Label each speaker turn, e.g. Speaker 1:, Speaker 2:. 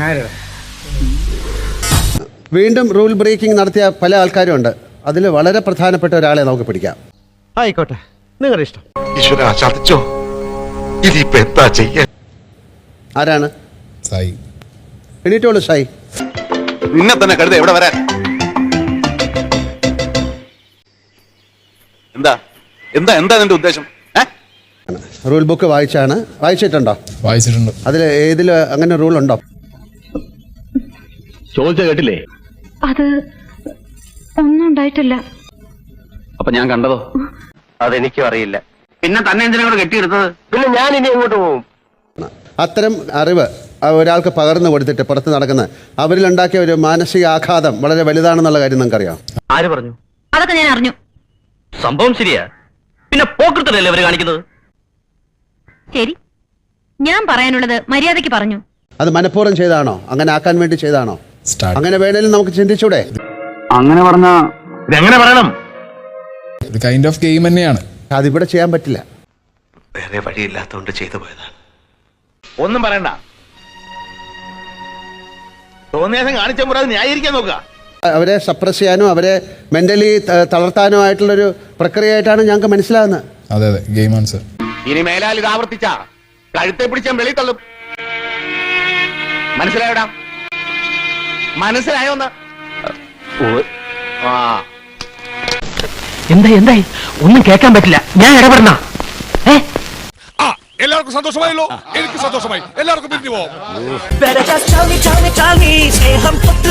Speaker 1: വീണ്ടും rule breaking നടത്തിയ പല ആൾക്കാരും ഉണ്ട്. അതിൽ വളരെ പ്രധാനപ്പെട്ട ഒരാളെ നമുക്ക് പിടിക്കാം.
Speaker 2: ആയിക്കോട്ടെ, നിങ്ങളുടെ ഇഷ്ടം.
Speaker 3: ഈശ്വരാ, ചതിച്ചോ? ഇതിപ്പോ എന്താ ചെയ്യാൻ?
Speaker 1: ആരാണ്?
Speaker 4: സായി.
Speaker 1: എണീറ്റോളൂ സായി.
Speaker 3: നിന്നെ തന്നെ കരുത എവിടെ വരാൻ? എന്താ എന്താ എന്താ നിന്റെ ഉദ്ദേശം?
Speaker 1: റൂൾ ബുക്ക് വായിച്ചിട്ടുണ്ടോ?
Speaker 4: വായിച്ചിട്ടുണ്ട്.
Speaker 1: അതിൽ ഏതിൽ അങ്ങനെ റൂൾ ഉണ്ടോ?
Speaker 5: ചോദിച്ച കേട്ടില്ലേ?
Speaker 6: അത് ഒന്നും ഉണ്ടായിട്ടില്ല.
Speaker 5: അപ്പൊ ഞാൻ കണ്ടതോ?
Speaker 7: അതെനിക്കും അറിയില്ല. പിന്നെ തന്നെ എന്തിനാ കൂടെ കെട്ടിയെടുത്തത്? പിന്നെ ഞാൻ ഇനി എങ്ങോട്ട് പോകും?
Speaker 1: അത്തരം അറിവ് ഒരാൾക്ക് പകർന്നു കൊടുത്തിട്ട് പുറത്ത് നടക്കുന്ന അവരിലുണ്ടാക്കിയ ഒരു മാനസിക ആഘാതം വളരെ വലുതാണെന്നുള്ള കാര്യം നിങ്ങൾക്കറിയാം.
Speaker 7: ആര് പറഞ്ഞു?
Speaker 6: അതൊക്കെ ഞാൻ അറിഞ്ഞു.
Speaker 7: സംഭവം ശരിയാ. പിന്നെ പോക്കൃത്തല്ലേ അവര് കാണിക്കുന്നത്?
Speaker 6: ശരി, ഞാൻ പറയാനുള്ളത് മര്യാദയ്ക്ക് പറഞ്ഞു.
Speaker 1: അത് മനഃപൂർവ്വം ചെയ്താണോ? അങ്ങനെ ആക്കാൻ വേണ്ടി ചെയ്താണോ? അങ്ങനെ വേണേലും നമുക്ക് ചിന്തിച്ചൂടെ?
Speaker 7: അങ്ങനെ പറഞ്ഞ ഇതെങ്ങനെ പറയണം?
Speaker 4: ഒരു കൈൻഡ് ഓഫ് ഗെയിം തന്നെയാണ്.
Speaker 1: അതിവിടെ ചെയ്യാൻ പറ്റില്ല.
Speaker 3: വേറെ വഴിയില്ലാത്തോണ്ട് ചെയ്തു പോയതാണ്.
Speaker 5: ഒന്നും പറയണ്ട. തോന്നിയാസം കാണിച്ച മുറ ന്യായീകരിക്കാൻ നോക്കുക.
Speaker 1: അവരെ സപ്രസ് ചെയ്യാനോ അവരെ മെന്റലി തളർത്താനോ ആയിട്ടുള്ളൊരു പ്രക്രിയയായിട്ടാണ് ഞങ്ങൾക്ക് മനസ്സിലാകുന്നത്.
Speaker 4: അതെ അതെ, ഗെയിമാണ് സർ.
Speaker 5: ഇനി മേലാൽ ഇത് ആവർത്തിച്ച കഴുത്തെ പിടിച്ചാൽ വെളി തള്ളും. മനസ്സിലായോടാ? മനസ്സിലായോന്ന്?
Speaker 7: എന്തായി ഒന്നും കേൾക്കാൻ പറ്റില്ല. ഞാൻ ഇടപെടണ?
Speaker 3: എല്ലാവർക്കും സന്തോഷമായല്ലോ. എനിക്ക് സന്തോഷമായി. എല്ലാവർക്കും പിരിഞ്ഞു പോവാം.
Speaker 8: Better just tell me,